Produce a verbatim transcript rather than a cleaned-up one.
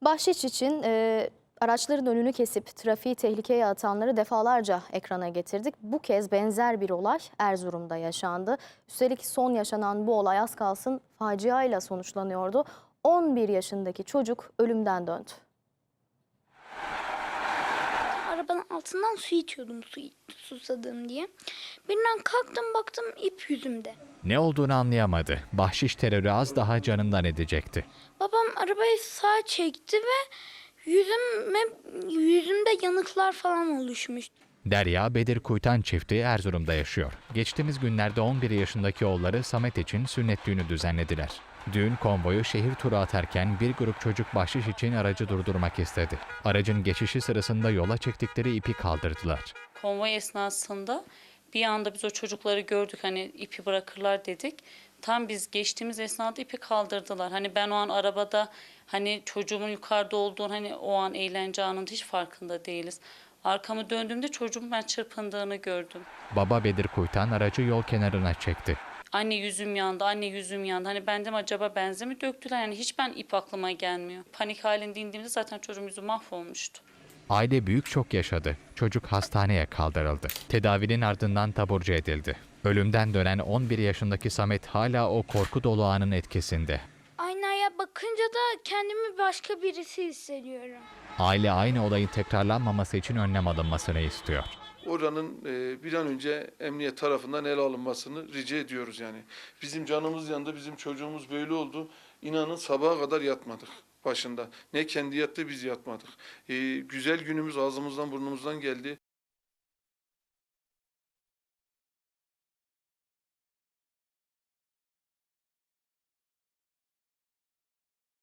Bahşiş için e, araçların önünü kesip trafiği tehlikeye atanları defalarca ekrana getirdik. Bu kez benzer bir olay Erzurum'da yaşandı. Üstelik son yaşanan bu olay az kalsın faciayla sonuçlanıyordu. on bir yaşındaki çocuk ölümden döndü. Arabanın altından su içiyordum, su susadım diye. Birden kalktım, baktım ip yüzümde. Ne olduğunu anlayamadı. Bahşiş terörü az daha canından edecekti. Babam arabayı sağa çekti ve yüzüme, yüzümde yanıklar falan oluşmuş. Derya Bedir Kuytan çifti Erzurum'da yaşıyor. Geçtiğimiz günlerde on bir yaşındaki oğulları Samet için sünnet düğünü düzenlediler. Düğün konvoyu şehir turu atarken bir grup çocuk bahşiş için aracı durdurmak istedi. Aracın geçişi sırasında yola çektikleri ipi kaldırdılar. Konvoy esnasında bir anda biz o çocukları gördük, hani ipi bırakırlar dedik. Tam biz geçtiğimiz esnada ipi kaldırdılar. Hani ben o an arabada, hani çocuğumun yukarıda olduğunu, hani o an eğlence anında hiç farkında değiliz. Arkamı döndüğümde çocuğumun ben çırpındığını gördüm. Baba Bedir Kuytan aracı yol kenarına çekti. Anne yüzüm yandı, anne yüzüm yandı. Hani ben dedim acaba benze mi döktüler? Yani hiç ben ip aklıma gelmiyor. Panik halinde indiğimde zaten çocuğum yüzü mahvolmuştu. Aile büyük şok yaşadı. Çocuk hastaneye kaldırıldı. Tedavinin ardından taburcu edildi. Ölümden dönen on bir yaşındaki Samet hala o korku dolu anın etkisinde. Aynaya bakınca da kendimi başka birisi hissediyorum. Aile aynı olayın tekrarlanmaması için önlem alınmasını istiyor. Oranın e, bir an önce emniyet tarafından ele alınmasını rica ediyoruz yani. Bizim canımız yandı, bizim çocuğumuz böyle oldu. İnanın sabaha kadar yatmadık başında. Ne kendi yattı, biz yatmadık. E, güzel günümüz ağzımızdan burnumuzdan geldi.